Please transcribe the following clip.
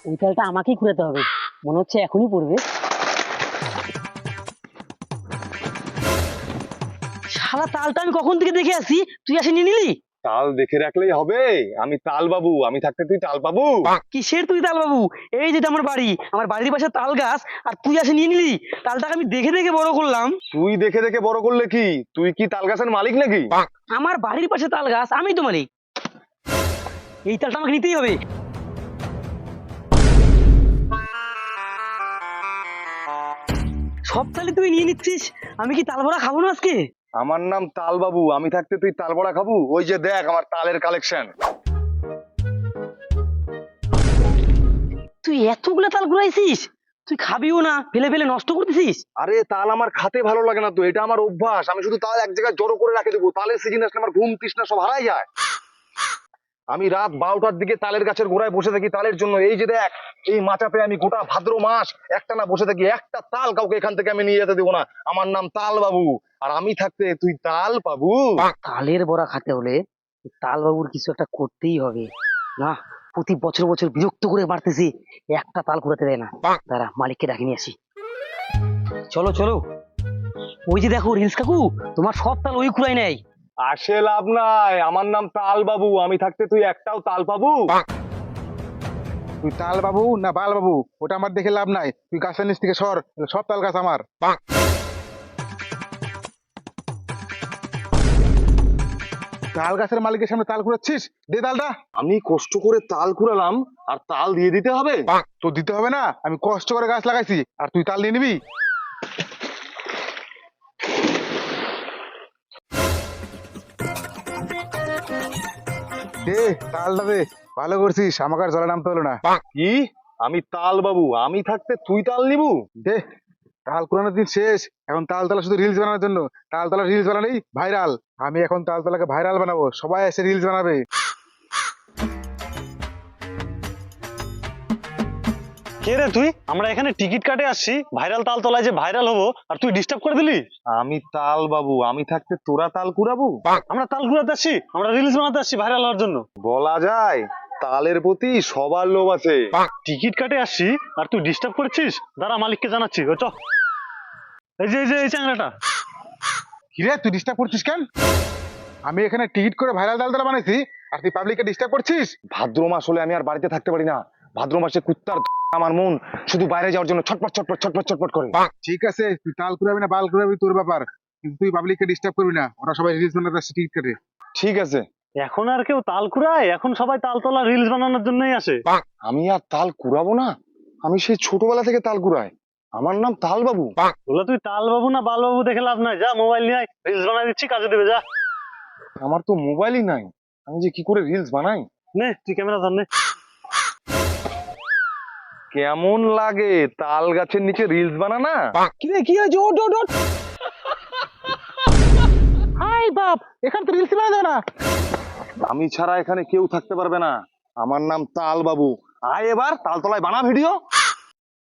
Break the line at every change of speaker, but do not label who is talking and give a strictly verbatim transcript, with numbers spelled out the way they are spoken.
ওই তালটা আমাকেই ঘুরাতে হবে, মনে হচ্ছে এখনই পড়বে। শালা তালটা আমি কখন থেকে দেখে আসি, তুই আসে নিয়ে নিলি?
তাল দেখে রাখলেই হবে? আমি তাল বাবু, আমি থাকতে তুই তাল পাবু?
কিসের তুই তাল বাবু? এই যেটা আমার বাড়ি, আমার বাড়ির পাশে তাল গাছ, আর তুই আসে নিয়ে নিলি? তালটাকে আমি দেখে দেখে বড় করলাম।
তুই দেখে দেখে বড় করলে কি? তুই কি তাল গাছের মালিক নাকি?
আমার বাড়ির পাশে তাল গাছ, আমি তো মালিক। এই তালটা আমাকে নিতেই হবে। সব তালে তুই নিয়ে নিচ্ছিস, আমি কি তাল বড়া খাবো না আজকে?
আমার নাম তাল বাবু, আমি থাকতে তুই তাল বড়া খাবু? ওই যে দেখ আমার তালের কালেকশন।
তুই এতগুলো তাল ঘুরাইছিস, তুই খাবিও না, ফেলে ফেলে নষ্ট করতেছিস।
আরে তাল আমার খাতে ভালো লাগে না তো, এটা আমার অভ্যাস। আমি শুধু তাল এক জায়গায় জড়ো করে রাখে দেবো, তালের সিজন আসলে আমার ঘুম তৃষ্ণা সব হারাই যায়। আমি রাত বারোটার দিকে তালের গাছের গোড়ায় বসে থাকি তালের জন্য। এই যে দেখ, এই মাচাপে আমি গোটা ভাদ্র মাস একটা না বসে থাকি, একটা তাল কাউকে এখান থেকে আমি নিয়ে যেতে দেবো না। আমার নাম তাল বাবু, আর আমি থাকতে তুই তাল পাবু?
তালের বড়া খেতে হলে তাল বাবুর কিছু একটা করতেই হবে। না, প্রতি বছর বছর বিরক্ত করে মারতেছি, একটা তাল ঘুরাতে দেয় না। দাঁড়া, মালিককে ডাকে নিয়ে আসি। চলো চলো, ওই যে দেখো রিলস কাকু, তোমার সব তাল ওই ঘুরাই নেয়।
আসে লাভ নাই, আমার নাম তাল বাবু, আমি থাকতে তুই একটাও তাল পাবু?
তুই তাল বাবু না বাল বাবু ওটা আমার দেখে লাভ নাই। তুই গাছের নিচ থেকে সর, সব তাল গাছ আমার। তাল গাছের মালিকের সামনে তাল কুড়াচ্ছিস? দে তালটা।
আমি কষ্ট করে তাল কুড়ালাম আর তাল দিয়ে দিতে হবে?
তো দিতে হবে না? আমি কষ্ট করে গাছ লাগাইছি আর তুই তাল নিয়ে নিবি? দে তালটা দে। ভালো করছিস, আমাকে আর জলে নামতে হলো না।
কি? আমি তাল বাবু, আমি থাকতে তুই তাল নিবু?
দে, তাল কুড়ানোর দিন শেষ, এখন তালতলা শুধু রিলস বানানোর জন্য। তালতলা রিলস বানালেই ভাইরাল। আমি এখন তালতলাকে ভাইরাল বানাবো, সবাই এসে রিলস বানাবে।
কে রে তুই? আমরা এখানে টিকিট কাটে আসছি ভাইরাল তাল তলায় যে ভাইরাল হবো, আর তুই ডিস্টার্ব করে দিলি।
আমি তাল বাবু, আমি থাকতে তোরা তাল কুড়াবু?
আমরা তাল ঘুরাতে আসছি, আমরা রিলস বানাতে আসছি ভাইরাল হওয়ার জন্য।
বলা যায় তালের প্রতি সবার লোভ আছে।
টিকিট কাটে আসছি আর তুই ডিস্টার্ব করছিস, দাঁড়া মালিককে জানাচ্ছি। ও চ, এই যে এই যে এই চ্যাংড়াটা।
কিরে, তুই ডিস্টার্ব করছিস কেন? আমি এখানে টিকিট করে ভাইরাল তালতলা বানাইছি আর তুই পাবলিককে ডিস্টার্ব করছিস?
ভাদ্র মাস হলে আমি আর বাড়িতে থাকতে পারি না। ভাদ্র মাসে কুত্তার আমার মন শুধু বাইরে যাওয়ার জন্য ছটপট ছটপট ছটপট ছটপট করে।
ঠিক আছে, তুই তাল কুড়াবি না বাল কুড়াবি তোর ব্যাপার, কিন্তু তুই পাবলিককে ডিস্টার্ব করবি না। ওরা সবাই রিলস বানাতে আসছে টিকিট কেটে।
ঠিক আছে,
এখন আর কেউ তাল কুড়ায়? এখন সবাই তাল তলা রিলস বানানোর জন্যই আসে।
আমি আর তাল কুড়াবো না? আমি সেই ছোটবেলা থেকে তাল কুড়াই, আমার নাম তাল বাবু।
বলে তুই তাল বাবু না বাল বাবু দেখে লাভ নাই, যা মোবাইল নিয়ে রিলস বানাই দিচ্ছি, কাজে দেবে যা।
আমার তো মোবাইলই নাই, আমি যে কি করে রিলস বানাই?
নে তুই ক্যামেরা ধর নে।
কেমন লাগে তাল গাছের নিচে রিলস বানানা?
কিরে কি হয়েছে? ওট ওট ওট। হাই বাপ, এখানে তো রিলস বানানো যাবে না।
আমি ছাড়া এখানে কেউ থাকতে পারবে না। আমার নাম তাল বাবু, আয় এবার তালতলায় বানা ভিডিও।